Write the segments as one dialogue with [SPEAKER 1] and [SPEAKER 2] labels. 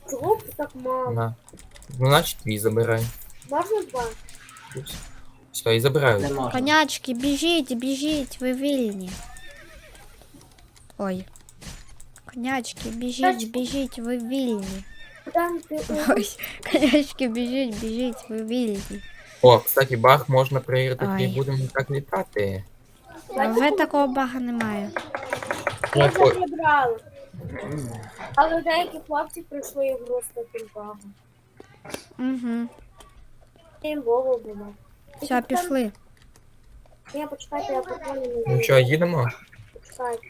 [SPEAKER 1] Чого б так мало?
[SPEAKER 2] На. Ну, значить, твій забирай.
[SPEAKER 1] Можна два?
[SPEAKER 2] Все, і забираю.
[SPEAKER 3] Не можна.
[SPEAKER 4] Конячки, біжіть, біжіть, ви вільні. Ой. Конячки, біжіть, біжіть, ви вільні.
[SPEAKER 1] Там ти
[SPEAKER 4] Ой, конячки, біжіть, біжіть, ви вільні.
[SPEAKER 2] О, кстати, баг можна перевірити,
[SPEAKER 4] Ай.
[SPEAKER 2] як будемо так літати.
[SPEAKER 4] Вже такого бага немає.
[SPEAKER 1] Я
[SPEAKER 2] Ну,
[SPEAKER 1] вже зібрала. Але деякі хлопці пройшли ігру з таким багом.
[SPEAKER 4] Угу.
[SPEAKER 1] Їм Вова було.
[SPEAKER 4] Все, пішли.
[SPEAKER 1] Ні, почекайте, я поколю не
[SPEAKER 2] Ну що, їдемо?
[SPEAKER 1] Почекайте.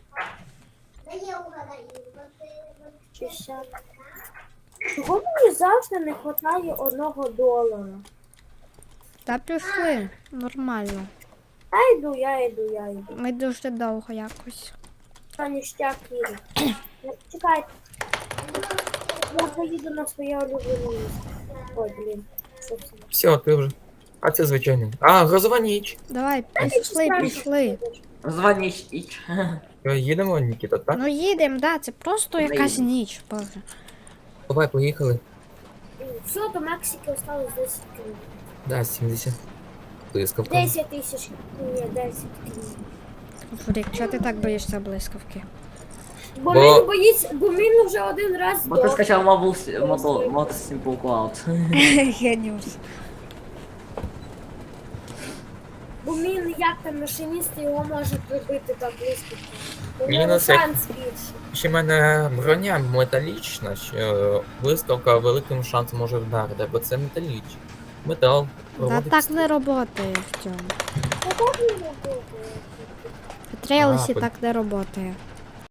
[SPEAKER 1] 60. Чого мені завжди не вистачає $1?
[SPEAKER 4] Та пішли. Нормально.
[SPEAKER 1] Я йду.
[SPEAKER 4] Ми дуже довго якось.
[SPEAKER 1] Та ніштяк їде. Чекайте. Я поїду на своє улюблене місце. Ой, блін. Що це?
[SPEAKER 2] Все, ти вже. А це звичайно. А, грозова ніч.
[SPEAKER 4] Давай, пішли.
[SPEAKER 3] Званіч іч.
[SPEAKER 2] Що, їдемо, Нікіта, так?
[SPEAKER 4] Ну їдемо, да, це просто якась ніч. Боже.
[SPEAKER 2] Давай, поїхали.
[SPEAKER 1] Все, до Мексики осталось 10 км.
[SPEAKER 2] Да, 70. Блискавка.
[SPEAKER 1] 10 тисяч. Ні, 10 км.
[SPEAKER 4] Фурик, чого ти так боїшся блискавки?
[SPEAKER 1] Бо
[SPEAKER 2] Бо-
[SPEAKER 1] він боїться, бо він вже один раз
[SPEAKER 3] Бо ти
[SPEAKER 1] здох.
[SPEAKER 3] скачав мод Simple Cloud.
[SPEAKER 4] Геніус.
[SPEAKER 1] Бо він як там машиніст його може прибити так близько. У
[SPEAKER 2] Мінус
[SPEAKER 1] нього
[SPEAKER 2] як-
[SPEAKER 1] шанс більший.
[SPEAKER 2] Ще в мене броня металічна, що блискавка великим шансом може вдарити, бо це метал.
[SPEAKER 4] Та
[SPEAKER 2] проводить
[SPEAKER 4] так не роботає в цьому.
[SPEAKER 1] Та так не робити.
[SPEAKER 4] В трейлсі
[SPEAKER 2] А,
[SPEAKER 4] так не роботає.